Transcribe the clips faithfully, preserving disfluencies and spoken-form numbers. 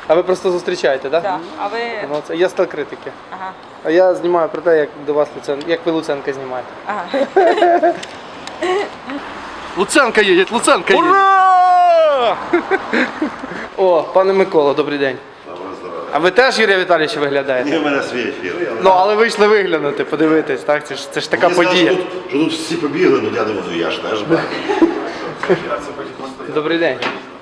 А ви просто зустрічаєте, так? Да? Да. А ви... Ну, це я стал критики. Ага. А я знімаю про те, як до вас Луценко, як ви Луценка знімаєте. Ага. Луценка їде, Луценка їде. Ура! О, пане Микола, добрий день. А ви теж Юрія Віталійовича виглядаєте? Ні, в мене свій ефір. Ну, але вийшли виглянути, подивитись, так? Це ж, це ж така Мені подія. сказали, що тут, що тут всі побігли, ну я думаю, я ж теж бачу. Добрий день.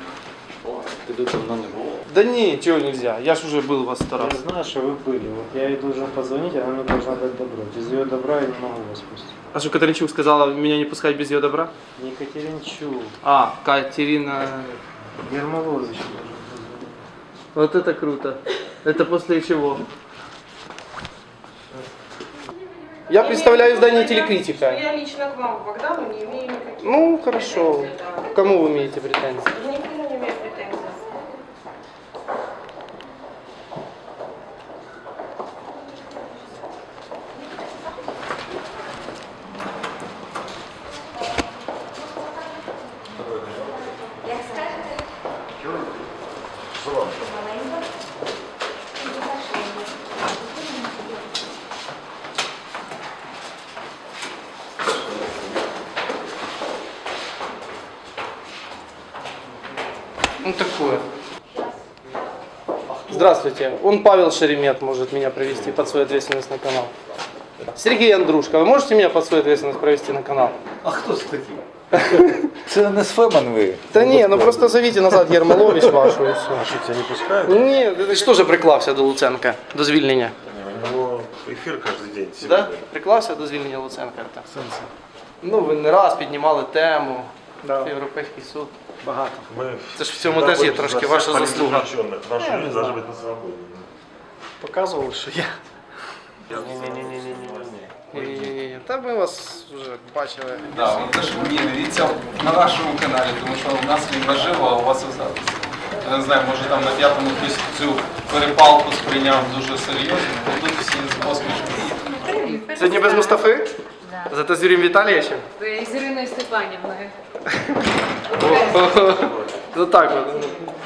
Да ні, чого нельзя, я ж уже был у вас сто раз. Я знаю, что вы были. Вот я ей должен позвонить, она мне должна дать добро. Без ее добра я не могу вас пустить. А что Катеринчук сказала меня не пускать без ее добра? Не Екатеринчук. А, Катерина... Ермолович должен позвонить. Вот это круто. Это после чего? Я представляю издание «Телекритика». Я лично к вам, Богдану, не имею никаких... Ну, хорошо. К кому вы имеете претензии? Я никому не имею претензий. Ну, такое. Здравствуйте. Он Павел Шеремет может меня провести под свою ответственность на канал. Сергей Андрушка, вы можете меня под свою ответственность провести на канал? А хто це такий? Це не Сфеман ви. Да не, ну просто зовите назад Ермолович вашу и все. Що це не пускають? Ні, ти ж теж приклався до Луценка, до звільнення. Ну, ефір кожен день. Да? Приклався до звільнення Луценка? Так. Ну, ви не раз піднімали тему, Да. Європейський суд. Багато. Ми Це ж в цьому теж є трошки ваша заслуга. Наші люди должны бути на свободі. Показували, що я. Ні-ні-ні, та ми вас вже бачили. Да, ви теж мені дивіться на нашому каналі, тому що у нас він наживо, а у вас у записі. Я не знаю, може там на п'ятому хтось цю перепалку сприйняв дуже серйозно, бо тут всі з посмішкою. Сьогодні без Мустафи? Да. Зато з Юрієм Віталійовичем? З Іриною Степанівною. Ну так от.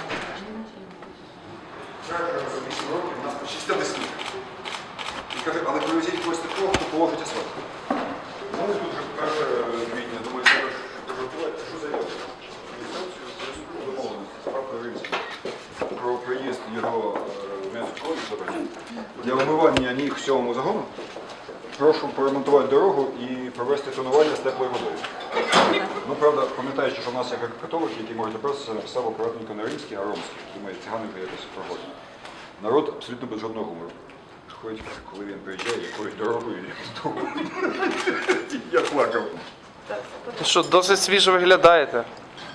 Але привезіть когось такого, хто положить асфальт. Ну, тут вже перше квітня, думаю, треба приготувати. Що заявити? Реєстрацію зв'язку домовленості з правкою Римським про приїзд його військових забрання для вимивання ніг сьомому загону. Прошу поремонтувати дорогу і провести тонування з теплою водою. Ну, правда, пам'ятаючи, що в нас є католики, які можуть опиратися, написав акуратненько не римський, а ромський. Думаю, циганика якось проходить. Народ абсолютно без жодного гумору. Ходить, коли він приїжджає, якоюсь дорогою, я плакав. Ну що, досить свіжо виглядаєте.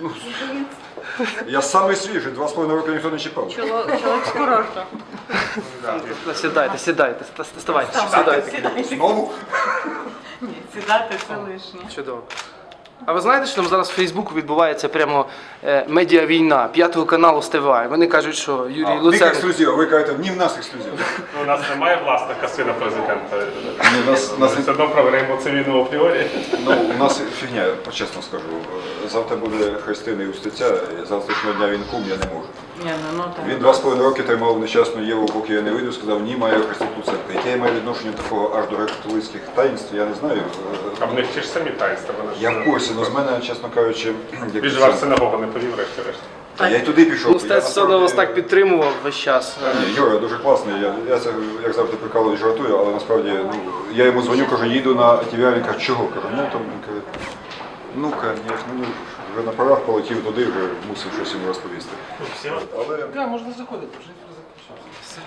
Я самий свіжий, два з половиною роки ніхто не чіпав. Чоловік з курорту. Сідайте, сідайте, ставайте, сідайте. Знову? Ні, сідати це лишнє. Чудово. А ви знаєте, що там зараз в Фейсбуку відбувається прямо е, медіавійна п'ятого каналу з ТВА. Вони кажуть, що Юрій В них Луценко... ексклюзив, ви кажете, ні в нас ексклюзив. У нас немає власника сина президента. Ні, у нас, нас, Все одно проведемо це війну апріорі. ну, у нас фігня, чесно скажу. Завтра буде Христина і Устиця, і завтрашнього дня він кум, я не можу. Ні, ну, ну, так. Він два з половиною роки тримав нещасну Єву, поки я не вийду, сказав, ні, має хрестити Луценка. Яке я маю відношення такого аж до католицьких таїнств, я не знаю. А в них ті ж самі таїнства. вони ж- Я в курсі, але з мене, чесно кажучи, як Він же це- в синагогу не повів, врешті-решт. Та я й туди пішов. Ну, Стець все одно вас так підтримував весь час. Ні, Юра дуже класний, я, я це, як завжди, прикалую і жартую, але насправді, ну, я йому дзвоню, кажу, їду на ті ві ар, він каже, чого? Кажу, ну, там, він каже, ну, конечно, ну, вже на парах полетів туди, вже мусив щось йому розповісти. Але... Так, можна заходити, вже ефір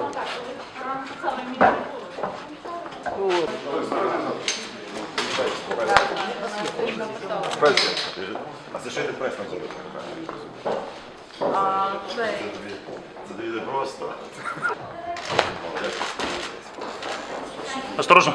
А це ще не прес на зробити. А, цей. Це дуже просто. Осторожно.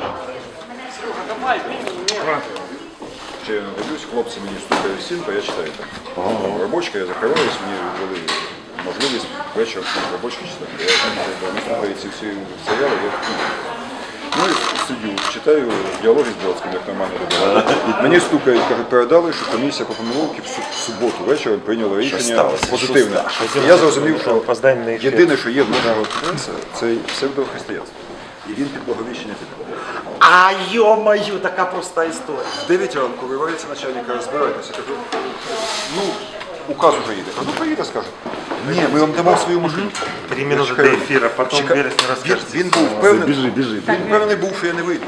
Ще я дивлюсь, хлопці мені стукають в стінку, я читаю там. Робочка, я закриваюсь, мені ввели можливість вечором робочку читати. Я там не слухаю ці всі серіали. Я... Ну, і сидю, читаю діалоги з Бродським, як нормально робила. Мені стукають, кажуть, передали, що комісія по помилки в су- в суботу вечором прийняла рішення сталося? позитивне. Що ста- що І я зрозумів, що Опоздання на ефір. єдине, що є в нашого принца, це псевдохристиянство. І він під благовіщення піде. А йо-маю, така проста історія. В дев'ять ранку виявляється начальника, розбирайтеся, кажу, ну, указ уже їде. Кажу, ну приїде, скаже. Ні, ми вам дамо свою машину. Три минути до Чекаю. ефіру, потім Чекаю. вересня Він, розкажете. він був впевнений, Біжи, біжи. він впевнений був, що я не вийду.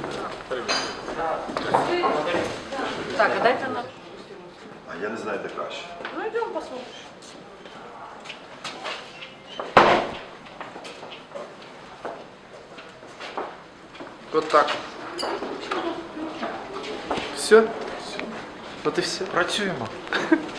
Так, а дайте нам. А я не знаю, де краще. Ну идем посмотрим. Вот так. Все? Вот и все. Працюємо.